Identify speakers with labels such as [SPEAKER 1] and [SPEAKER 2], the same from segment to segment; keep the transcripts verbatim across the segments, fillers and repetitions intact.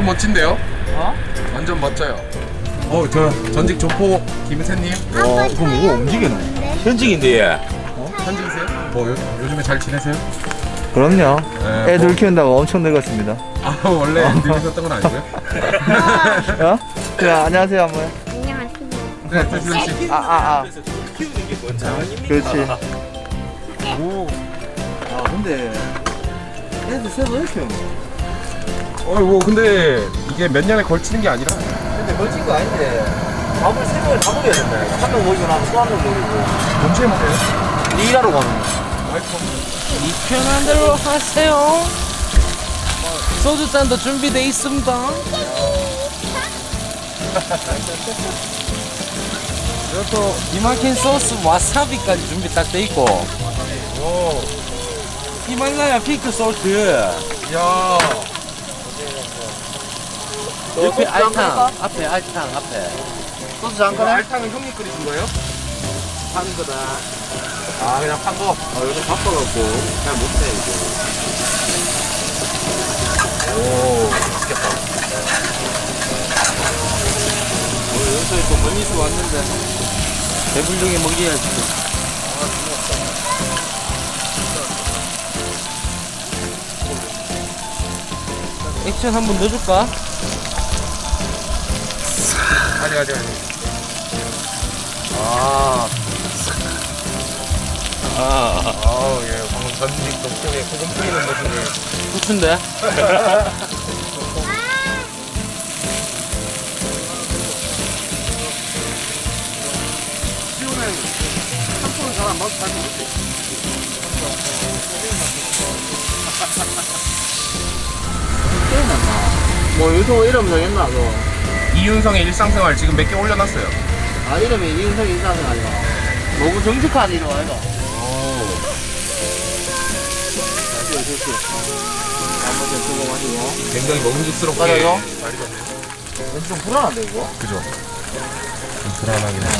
[SPEAKER 1] 멋진데요?
[SPEAKER 2] 어?
[SPEAKER 1] 완전 멋져요. 어, 저 전직 조포 김세님.
[SPEAKER 2] 와, 이거 뭐가 움직이네.
[SPEAKER 3] 현직인데 얘.
[SPEAKER 1] 어? 현직이세요? 뭐 요, 요즘에 잘 지내세요?
[SPEAKER 2] 그럼요.
[SPEAKER 1] 네,
[SPEAKER 2] 애들
[SPEAKER 1] 뭐-
[SPEAKER 2] 키운다고 엄청 늙었습니다.
[SPEAKER 1] 아, 원래 늙으셨던 건 아니고요?
[SPEAKER 2] 어? 자, 안녕하세요, 한번.
[SPEAKER 4] 안녕하세요.
[SPEAKER 1] 네, 태수정 씨.
[SPEAKER 2] 아, 아, 아.
[SPEAKER 3] 키우는 게 뭔지 아닙니까?
[SPEAKER 2] 그렇지.
[SPEAKER 1] 오.
[SPEAKER 2] 아, 근데 애들 새로 왜 키우는
[SPEAKER 1] 어, 뭐 근데 이게 몇 년에 걸치는 게 아니라
[SPEAKER 2] 근데 멋진 거 아닌데 밥을 세 번을 다 먹여야 된다. 한 명 먹이고 나면 또 한 명 먹이고.
[SPEAKER 1] 동시에 먹어요?
[SPEAKER 2] 일하러 가는 거.
[SPEAKER 3] 이 편한 대로 하세요. 소주잔도 준비돼 있습니다. 이것도 이마킨 소스 와사비까지 준비 딱 돼 있고. 오. 히말라야 핑크 소스.
[SPEAKER 1] 야.
[SPEAKER 3] 옆에 알탕, 앞에 알탕, 앞에.
[SPEAKER 2] 소스
[SPEAKER 1] 이거
[SPEAKER 2] 잠깐 해?
[SPEAKER 1] 알탕은 형님 끓이신 거예요?
[SPEAKER 3] 파는 거다.
[SPEAKER 1] 아, 그냥 판 거.
[SPEAKER 3] 아, 요즘 바빠갖고 잘 못해 이제.
[SPEAKER 1] 오, 맛있겠다.
[SPEAKER 3] 오늘 여기서 또 멀리서 왔는데 배불리게 먹여야지. 액션 한 번 넣어줄까?
[SPEAKER 1] 아니, 아니, 아니.
[SPEAKER 3] 아. 아.
[SPEAKER 1] 아우, 예, 방금 전직 동쪽에 소금 뿌리는 모습을.
[SPEAKER 3] 후춘데?
[SPEAKER 1] 시우는 삼촌은 잘안 먹고 잘 먹지.
[SPEAKER 2] 뭐 유튜브 이름 정했나 너?
[SPEAKER 1] 이윤성의 일상생활 지금 몇 개 올려놨어요.
[SPEAKER 2] 아 이름이 이윤석 인사는 아니가. 너무 정직한 이름 아이가. 좋지 좋지. 한번 더 주고 마시고.
[SPEAKER 1] 굉장히 먹음직스럽게
[SPEAKER 2] 맞아요?
[SPEAKER 1] 잘 익었네요.
[SPEAKER 2] 왠지 좀 불안한데 이거?
[SPEAKER 1] 그죠? 좀 불안하긴 해.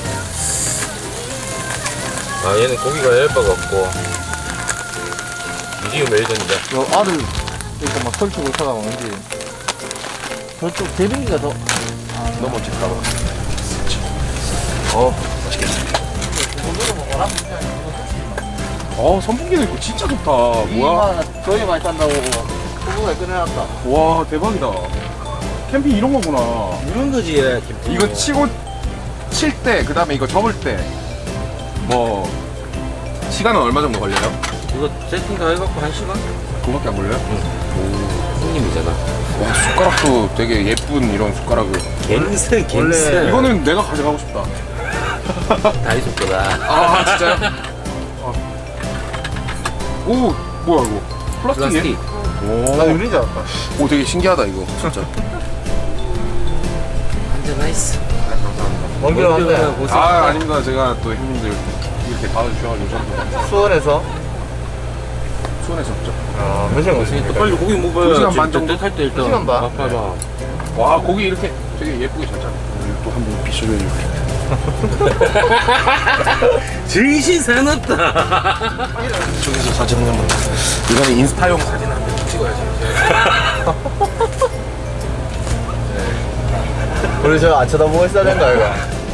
[SPEAKER 3] 아, 얘는 고기가 얇아갖고 미디움 웰던이다.
[SPEAKER 2] 저 알을 이렇게 막 설치고 있다가 왠지 저쪽 대빙기가 더
[SPEAKER 1] 너무 멋질까 봐.
[SPEAKER 3] 어.
[SPEAKER 1] 어, 선풍기도 있고 진짜 좋다. 뭐야?
[SPEAKER 2] 저희 많이 탄다고 후보가 꺼내놨다.
[SPEAKER 1] 와, 대박이다. 캠핑 이런 거구나.
[SPEAKER 3] 이런 거지 얘.
[SPEAKER 1] 이거 치고 칠 때, 그 다음에 이거 접을 때, 뭐 시간은 얼마 정도 걸려요?
[SPEAKER 3] 이거 세팅 다 해갖고 한 시간?
[SPEAKER 1] 그거밖에 안 걸려요?
[SPEAKER 3] 손님이잖아.
[SPEAKER 1] 와, 숟가락도 되게 예쁜 이런 숟가락을.
[SPEAKER 3] 갬스 갬스.
[SPEAKER 2] 원래
[SPEAKER 1] 이거는 내가 가져가고 싶다.
[SPEAKER 3] 다이소 거다.
[SPEAKER 1] 아, 진짜요? 어. 오, 뭐야 이거? 플라스틱이에요?
[SPEAKER 3] 플라스틱.
[SPEAKER 2] 나
[SPEAKER 1] 오,
[SPEAKER 2] 유리지 않았다.
[SPEAKER 1] 오, 되게 신기하다 이거 진짜.
[SPEAKER 3] 완전 나이스.
[SPEAKER 2] 먼 길 왔는데
[SPEAKER 1] 아, 아닙니다. 제가 또 형님들 이렇게 받아주셔가지고 저도
[SPEAKER 2] 수원에서
[SPEAKER 1] 수원에서 없죠.
[SPEAKER 2] 아, 몇 시간
[SPEAKER 3] 또 빨리 고기 먹어야
[SPEAKER 1] 두 시간 반 정도?
[SPEAKER 3] 탈때 일단.
[SPEAKER 2] 두 시간 반?
[SPEAKER 3] 봐봐.
[SPEAKER 1] 와, 고기 이렇게 되게 예쁘게 잘 잘라. 또 한 번 비춰줘야지.
[SPEAKER 3] 정신 사납다.
[SPEAKER 1] 저기서 사진 한번. 이거는 인스타용 사진 한 번 찍어야지.
[SPEAKER 2] 우리 저 안 쳐다보고 있어야 된다 이거.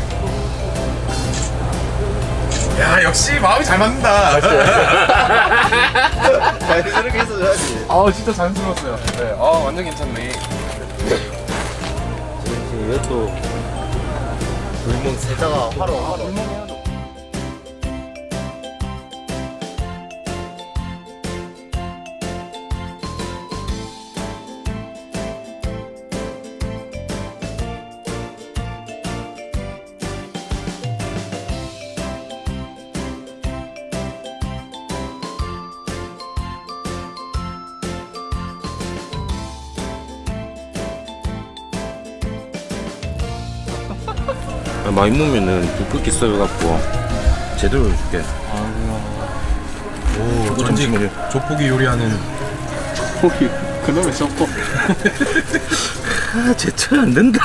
[SPEAKER 1] 야, 역시 마음이 잘 맞는다.
[SPEAKER 2] 자연스럽게 있어줘야지.
[SPEAKER 1] 아, 진짜 자연스러웠어요. 네, 아, 완전 괜찮네.
[SPEAKER 3] 이것도 불멍 세.
[SPEAKER 2] 이따가 하루 하루.
[SPEAKER 3] 많이 먹으면은 굵게 썰어갖고 제대로 해줄게.
[SPEAKER 1] 오, 전직 조폭이 요리하는 조폭이 그놈의 조폭.
[SPEAKER 3] 아, 제철 안 된다.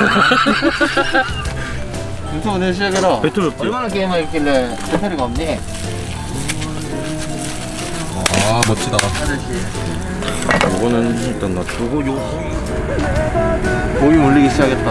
[SPEAKER 2] 유튜브 내 시작해라.
[SPEAKER 3] 배틀 없지?
[SPEAKER 2] 얼마나 게임을 있길래 배터리가 없니?
[SPEAKER 1] 아, 멋지다.
[SPEAKER 2] 아저씨.
[SPEAKER 3] 요거는 일단 놔두고 요
[SPEAKER 2] 고기 물리기 시작했다.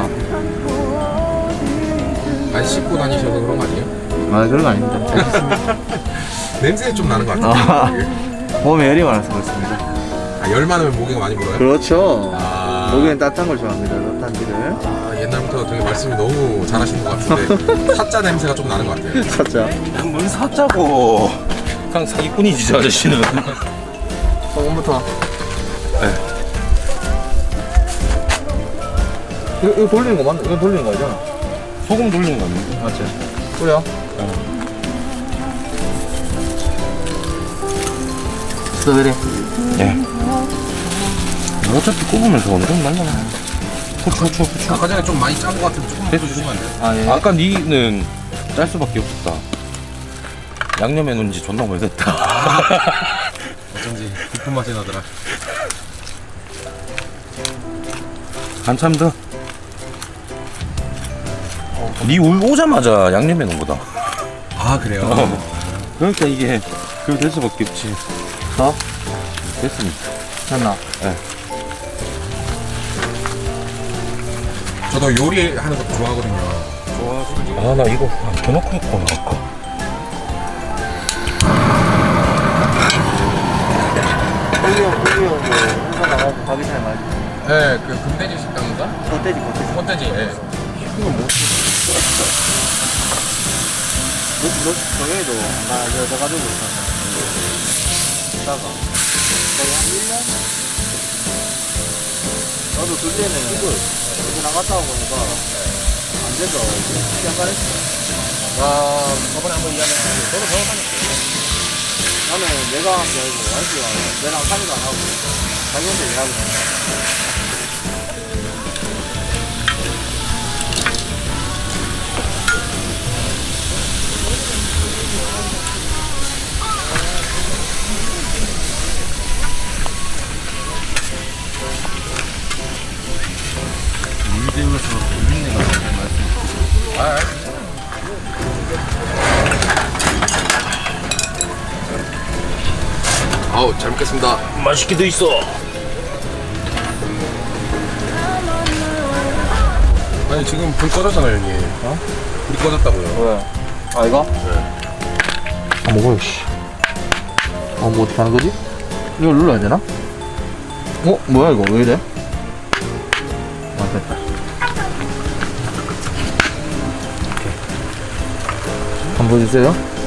[SPEAKER 1] 안 씻고 다니셔서 그런 거 아니에요?
[SPEAKER 2] 아 그런 거 아닙니다.
[SPEAKER 1] 냄새 좀 나는 것
[SPEAKER 2] 아,
[SPEAKER 1] 같아요.
[SPEAKER 2] 몸에 열이 많아서 그렇습니다.
[SPEAKER 1] 아, 열 많으면 모기가 많이 물어요?
[SPEAKER 2] 그렇죠.
[SPEAKER 1] 아.
[SPEAKER 2] 모기는 따뜻한 걸 좋아합니다. 따뜻한 길을.
[SPEAKER 1] 아, 옛날부터 되게 말씀이 너무 잘하시는 것 같은데 사자 냄새가 좀 나는 것 같아요.
[SPEAKER 2] 찾자.
[SPEAKER 3] 뭘 사자고. 그냥 사기꾼이지 저 아저씨는.
[SPEAKER 2] 소금부터. 네. 이거, 이거 돌리는 거 맞나? 이거 돌리는 거 아니잖아.
[SPEAKER 3] 소금 돌리는 거 아니야?
[SPEAKER 2] 맞지? 뿌려. 스트로베리.
[SPEAKER 3] 예. 어차피 꼽으면서 어느 정도 날라나. 후추 후추 후추.
[SPEAKER 1] 아까 전에 좀 많이 짠 것 같은데 조금만 더 주시면 안 돼요?
[SPEAKER 2] 아 예.
[SPEAKER 3] 아까 니는 짤 수밖에 없었다. 양념해 놓은 지 존나 오래됐다.
[SPEAKER 1] 어쩐지 깊은 맛이 나더라.
[SPEAKER 3] 한참 더. 니 올- 오자마자 양념해 놓은 거다.
[SPEAKER 1] 아 그래요?
[SPEAKER 3] 어. 그러니까 이게 그거 될 수밖에 없지.
[SPEAKER 2] 더?
[SPEAKER 3] 됐습니다.
[SPEAKER 2] 됐나?
[SPEAKER 1] 저도 요리하는 것도 좋아하거든요.
[SPEAKER 3] 아 나 이거 더 넣고 했구나 아까.
[SPEAKER 2] 홀리형, 홀리형, 뭐, 회사 나가고 가기 전에 말지.
[SPEAKER 1] 네, 그 금돼지 식당인가?
[SPEAKER 2] 겉돼지, 겉돼지.
[SPEAKER 1] 콘돼지. 예.
[SPEAKER 2] 이거 뭐? 너, 너, 저기에도, 나, 여자 가지고 있었나? 있다가. 거의 한 일 년? 나도 그때는, 여기 나갔다 오고 보니까, 안 돼서, 시간 가냈어.
[SPEAKER 1] 아, 저번에 한번 이야기했는데 저도 저거 다녔어요.
[SPEAKER 2] 나는 내가 한 게 아니고, 와이프가 내랑 상의도 안 하고, 자기 혼자 예약을 해.
[SPEAKER 1] 아우, 잘 먹겠습니다.
[SPEAKER 3] 맛있게 돼 있어.
[SPEAKER 1] 아니, 지금 불 꺼졌잖아요, 형님. 어? 불이 꺼졌다고요.
[SPEAKER 2] 왜? 아, 이거? 아, 먹어요, 씨. 어, 뭐 어떻게 하는 거지? 이걸 눌러야 되나? 어? 뭐야, 이거? 왜 이래? 아, 됐다. 한번 보여주세요.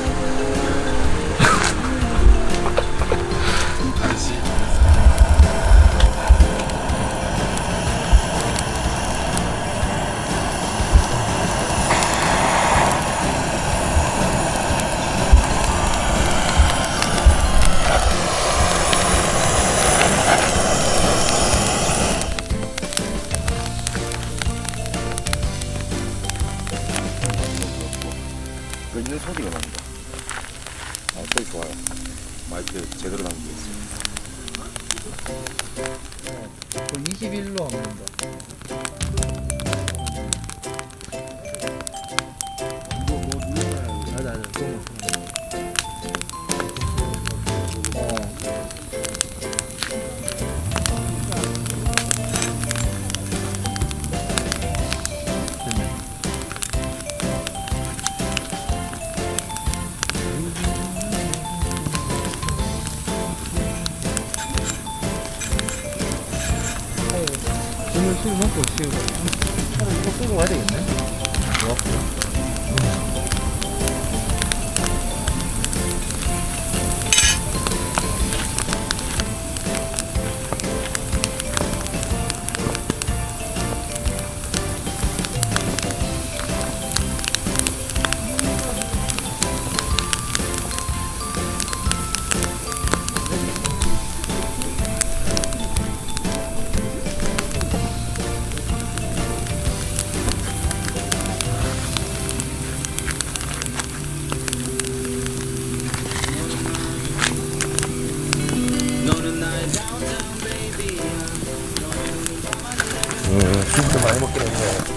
[SPEAKER 3] 끓는 소리가 납니다. 아, 소리 좋아요. 마이크 제대로 담겨 있어요.
[SPEAKER 2] 이십일로 하면 된다. 뭐, 뭐 눌러놔야 돼. 맞아, 맞아. 어. 오늘 술 먹고 지금 차를 이거 끌고 가야 되겠네.
[SPEAKER 1] 진짜 많이 먹긴 했네.